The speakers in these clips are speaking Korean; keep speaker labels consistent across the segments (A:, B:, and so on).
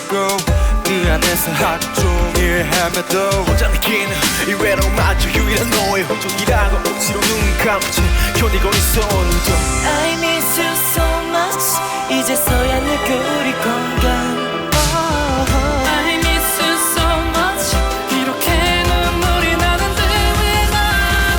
A: 하고 그 안에서 하루 종일 헤매도 혼자 느끼는 이 외로움마저 유일한 너의 혼종이라고 억지로 눈 감지 견디고 있어 오늘도
B: I miss you so much 이제서야 늘 그리 건강
C: I miss you so much 이렇게 눈물이 나는데 왜 난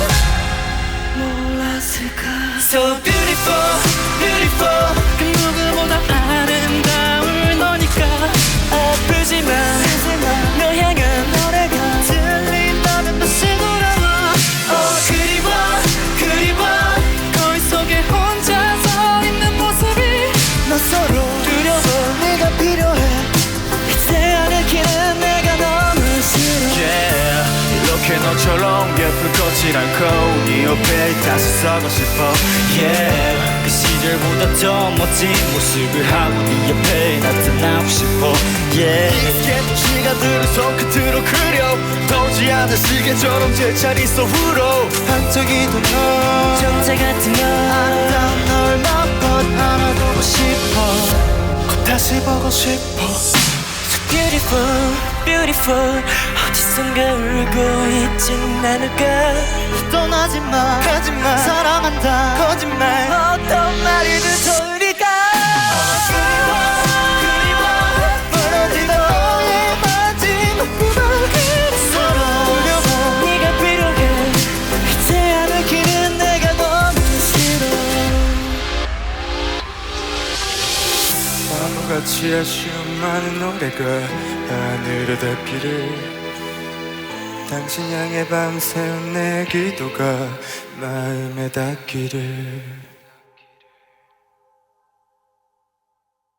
C: 몰랐을까
B: So beautiful, beautiful
C: 그 누구보다 아름다운 너니까
B: 아프지만 너 향한 노래가
C: 들린다면 다시 돌아와
B: 그리워 그리워
C: 거울 속에 혼자서 있는 모습이
B: 낯설어 두려워 내가 필요해 이제 안 읽히는 내가 너무 싫어
A: Yeah 이렇게 너처럼 예쁜 거질 않고 네 옆에 다시 서고 싶어 Yeah 그 시절보다 더 멋진 모습을 하고 네 옆에 나타나고 싶어 Yeah 스케치 시간들을 손끝으로 그려 떠오지 않은 시계처럼 제자리 속으로 반짝이던 너
B: 정자 같은 너
A: 아름다운 널 몇 번 안아보고 싶어 꼭 다시 보고 싶어
B: So beautiful, beautiful 어디선가 울고 있진 않을까
A: 떠나지마 가지마 사랑한다 거짓말
B: 어떤 말이든 좋으니까
A: 무너진 너의 마지막 구멍 그래서
B: 네가 필요해 이제 안 읽히는 내가 너무 싫어
A: 바보같이 아쉬운 많은 노래가 하늘에 닿기를 당신 향해 밤새운 내 기도가 마음에 닿기를